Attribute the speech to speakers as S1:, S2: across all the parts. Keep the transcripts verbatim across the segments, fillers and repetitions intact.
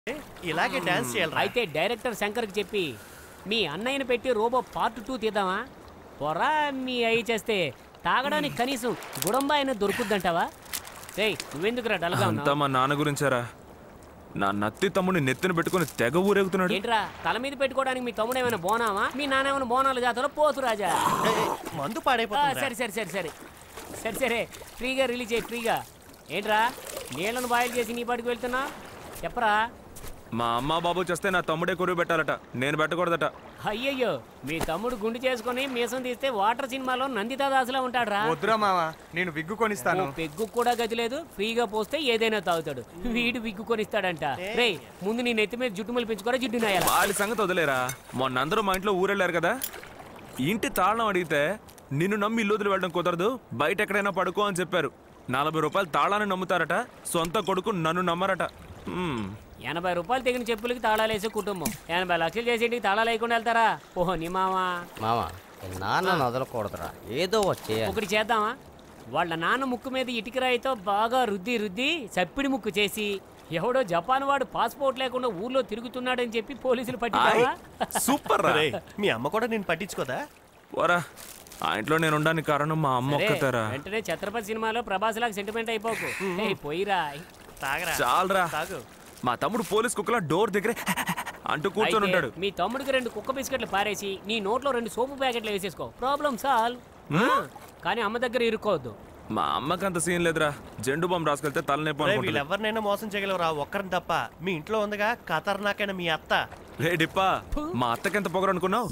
S1: ఇలాగే డాన్స్ చేయాలి.
S2: అయితే డైరెక్టర్ శంకర్కి చెప్పి మీ అన్నయ్యని పెట్టి రోబో పార్ట్ టూ తీద్దామా? పొరా మీ అయ్యి చేస్తే తాగడానికి కనీసం గుడంబా అయినా దొరుకుద్దంటావా? రేయ్ నువ్వెందుకురా డల్గా ఉన్నావు?
S3: అంతా మా నాన్న గురించారా? నా నత్తి తమ్ముడిని నెత్తిన పెట్టుకుని తెగ ఊరేగుతున్నాడు.
S2: ఏంట్రా తల మీద పెట్టుకోవడానికి మీ తమ్ముడు ఏమైనా బోనామా? మీ నాన్న ఏమైనా బోనాలు జాతరలో పోతు రాజా.
S1: మందు పాడైపోతుంది.
S2: సరే సరే సరే సరే సరే సరే ఫ్రీగా రిలీజ్ అయ్యి ఫ్రీగా. ఏంట్రా నీళ్ళను బాయిల్ చేసి నీ పాటికి వెళ్తున్నా? చెప్పరా.
S3: మా అమ్మ బాబు చేస్తే నా తమ్ముడే కొరువు పెట్టాలట, నేను పెట్టకూడదట.
S2: అయ్యయ్యో మీ తమ్ముడు గుండు చేసుకుని మీసం తీస్తే వాటర్ సినిమాలో నందితా దాసులా ఉంటాడురా.
S4: వద్దురా మావా, నేను విగ్గు కొనిస్తాను.
S2: పెగ్గు కూడా గతి లేదు, ఫ్రీగా పోస్తే ఏదైనా తాగుతాడు. వీడు విగ్గు కొనిస్తాడంట. రే ముందు నీ నెత్తి మీద జుట్టు మలిపించుకోరా జిడ్డు నాయాల.
S3: వాళ్ళ సంగతి వదిలేరా. మొన్న అందరూ మా ఇంట్లో ఊరెళ్ళారు కదా, ఇంటి తాళం అడిగితే నిన్ను నమ్మి ఇల్లు వదిలి వెళ్ళడం కుదరదు, బయట ఎక్కడైనా పడుకో అని చెప్పారు. నలభై రూపాయలు తాళాన్ని నమ్ముతారట, సొంత కొడుకు నన్ను నమ్మరట.
S2: ఎనభై రూపాయలు తెగిన చెప్పులకి తాళాలు వేసే కుటుంబం ఎనభై లక్షలు చేసేంటికి తాళాలు వేయకుండా వెళ్తారా? ఓహో నీ మామా.
S5: మామా నాన్న వదలకూడదురా, ఏదో వచ్చే
S2: ఒకటి చేద్దామా? వాళ్ళ నాన్న ముక్కు మీద ఇటుకరాయితో బాగా రుద్ది రుద్ది చప్పిడి ముక్కు చేసి ఎవడో జపాన్ వాడు పాస్పోర్ట్ లేకుండా ఊర్లో తిరుగుతున్నాడని చెప్పి పోలీసులు పట్టించావా?
S3: సూపర్ రా.
S1: మీ అమ్మ కూడా నేను పట్టించుకోదా?
S3: వరా ఆ ఇంట్లో నేను ఉండడానికి కారణం మా అమ్మ ఒక్కతారా.
S2: వెంటనే ఛత్రపతి సినిమాలో ప్రభాస్ లాగా సెంటిమెంట్ అయిపోకు. పోయిరా
S1: తాగరా.
S3: చాలరా.
S1: తాగు.
S3: మా తమ్ముడు పోలీస్ కుక్కలా డోర్ దగ్గరే అంటూ కూర్చొని ఉంటాడు.
S2: మీ తమ్ముడికి రెండు కుక్క బిస్కెట్లు పారేసి నీ నోట్లో రెండు సోపు ప్యాకెట్లు వేసేసుకో, ప్రాబ్లం సాల్వ్. కానీ అమ్మ దగ్గర ఇరుక్కోవద్దు.
S3: మా అమ్మకి అంత సీన్ లేదురా, జెండు బాంబు రాసుకెళ్తే తలనొప్పి.
S1: వీళ్ళెవరినైనా మోసం చేయగలరా, ఒక్కరిని తప్ప. మీ ఇంట్లో ఉందిగా ఖతర్నాకైనా మీ అత్త.
S3: రే డిప్పా, మా అత్తకి ఎంత పొగరు అనుకున్నావు?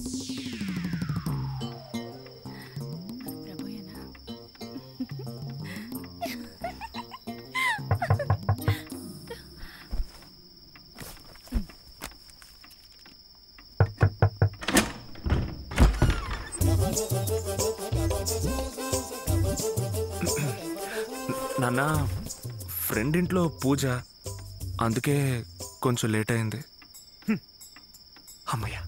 S3: నాన్న ఫ్రెండ్ ఇంట్లో పూజ, అందుకే కొంచెం లేట్ అయింది. అమ్మయ్య.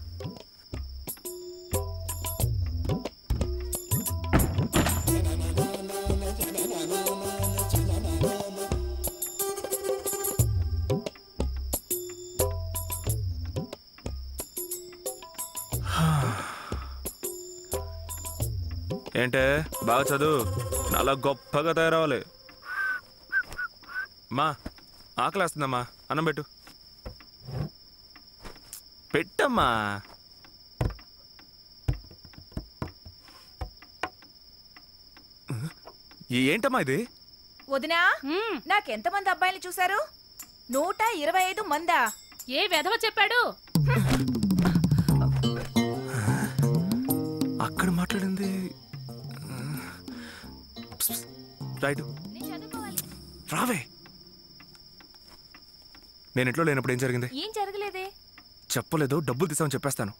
S3: ఏంటే బాగా చదువు, చాలా గొప్పగా తయారవ్వాలి. మా ఆకలేస్తుందమ్మా, అన్నం పెట్టు. పెట్టమ్మా. ఏంటమ్మా ఇది?
S6: వదినా, నాకెంతమంది అబ్బాయిలు చూశారు? నూట ఇరవై ఐదు మందా?
S7: ఏ వెధవ చెప్పాడు?
S3: అక్కడ మాట్లాడింది రైట్. రావే. నేను ఇంట్లో లేనప్పుడు ఏం జరిగింది?
S6: ఏం జరగలేదే.
S3: చెప్పలేదు, డబ్బులు తీసామని చెప్పేస్తాను.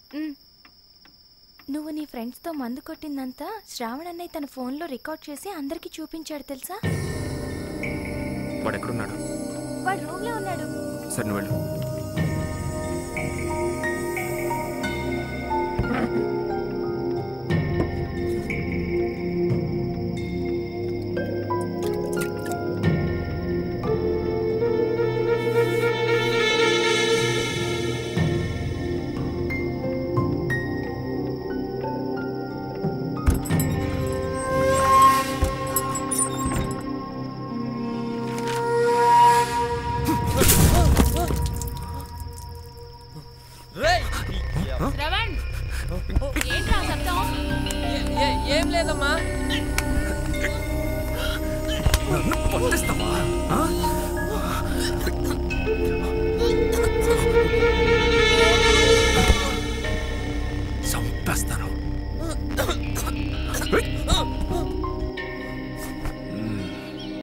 S8: నువ్వు నీ ఫ్రెండ్స్ తో మందు కొట్టిందంతా శ్రావణ్ అన్నయ్య తన ఫోన్ లో రికార్డ్ చేసి అందరికి చూపించాడు తెలుసా?
S3: వాడు ఎక్కడున్నాడు?
S8: వాడు రూమ్ లో ఉన్నాడు.
S3: సరే నువ్వు వెళ్ళు.
S7: ఏం లేదమ్మా.
S3: చంపేస్తాను.